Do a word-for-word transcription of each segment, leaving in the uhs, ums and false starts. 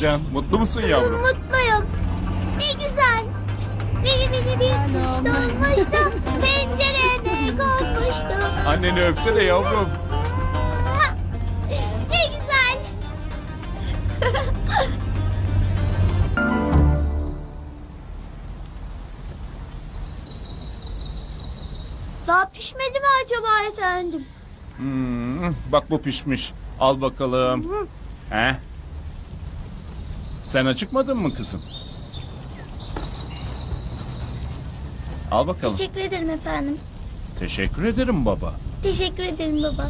Can, mutlu musun yavrum? Mutluyum. Ne güzel. Beni beni bir kuş dolmuştu. Pencereme konmuştu. Anneni öpsene yavrum. Ne güzel. Daha pişmedi mi acaba efendim? Hmm, bak bu pişmiş. Al bakalım. He? Sen acıkmadın mı kızım? Al bakalım. Teşekkür ederim efendim. Teşekkür ederim baba. Teşekkür ederim baba.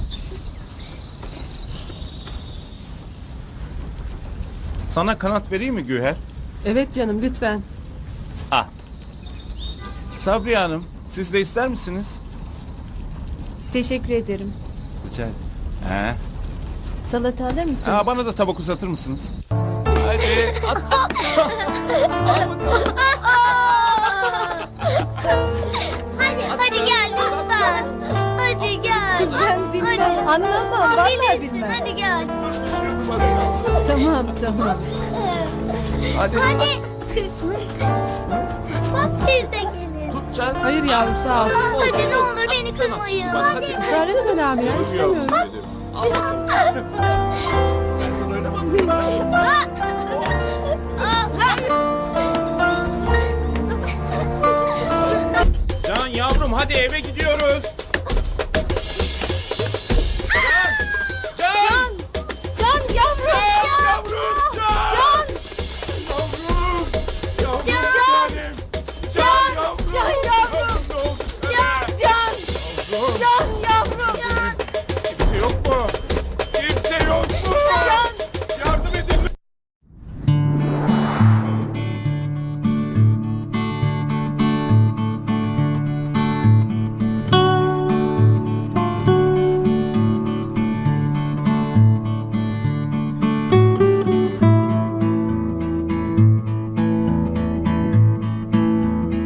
Sana kanat vereyim mi Güher? Evet canım lütfen. Ah. Sabriye Hanım, siz de ister misiniz? Teşekkür ederim. Rica ederim. He? Salata alır mısın? Aa, bana da tabak uzatır mısınız? Hadi at. Hadi hadi gel lütfen. Hadi gel. Kız ben bilmem. Hadi. Anlamam. Aa, Vallahi bilirsin. bilmem. Hadi gel. Tamam tamam. Hadi. Hadi. Bak siz de gelin. Tut Can. Hayır yavrum sağ ol. Hadi ne olur beni kırmayın. Hadi. Israr etme Lamia istemiyorum. Al bakalım. Ben sana öyle bakıyorum. Can yavrum hadi eve gidiyoruz.